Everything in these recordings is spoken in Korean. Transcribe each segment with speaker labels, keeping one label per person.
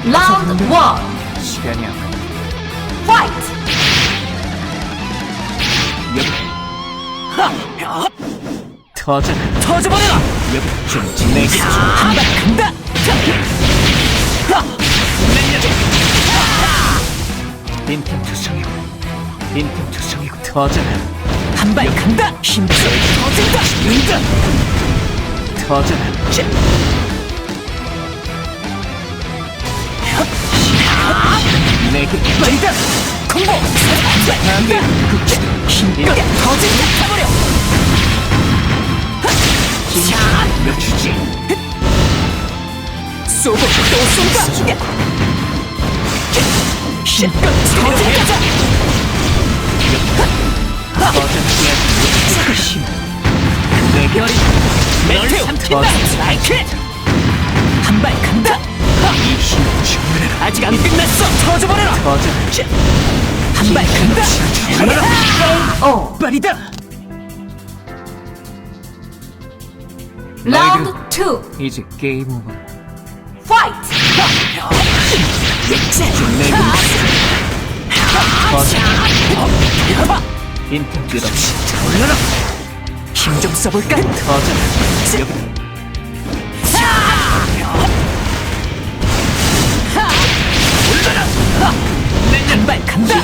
Speaker 1: 라운드 1
Speaker 2: 시간이 안 가.
Speaker 1: 파이트!
Speaker 2: 터져버려라! 좀 내게 한발 간다! 빈틈투성이고 빈틈투성이고 터져라! 한발 간다! 힘들어 터진다! 는다! 터져라! 내게 말이다! 콤보! 한발 간다! 힘들어 터진다! 타버려! 며주지 쏘고 또 쏜다 힘껏 터져가자 터져야 힘 내 별이 메테오 터진다 라이크 한발 간다 이 힘을 주문해라 아직 안 끝났어 터져버려라 터져 한발 간다
Speaker 1: KO
Speaker 2: 빨리다
Speaker 1: 라운드 2
Speaker 2: 이제 게임 오버
Speaker 1: 파이트!
Speaker 2: 좀 내게 터져 빈틈 끝없이 올라라 힘 좀 써볼까? 터져 여기 올라라 한발 간다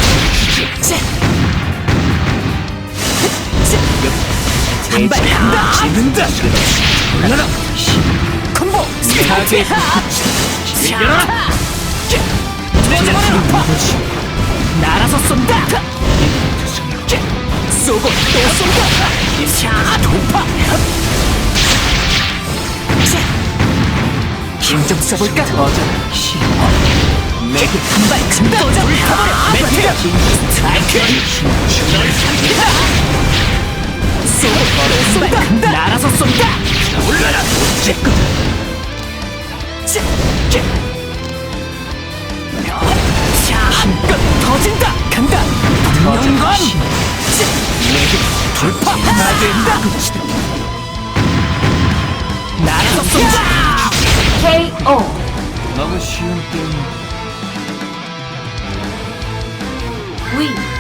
Speaker 2: 한발 간다 짓는다 올라라 콤보 스타게 열어라 내려라 날아서 쏜다 쏘고 또 쏜다 돌파 힘 좀 써볼까? 내게 한발 간다 돌파버려 메테오 스트라이크 널 삼키다 쏘고 또 쏜다 날아서 쏜다 올라라 제거다 힘껏 터진다 간다 영광 내게 돌파 안된다 날아서 쏜다
Speaker 1: KO
Speaker 2: 너무 쉬운 게임
Speaker 1: 위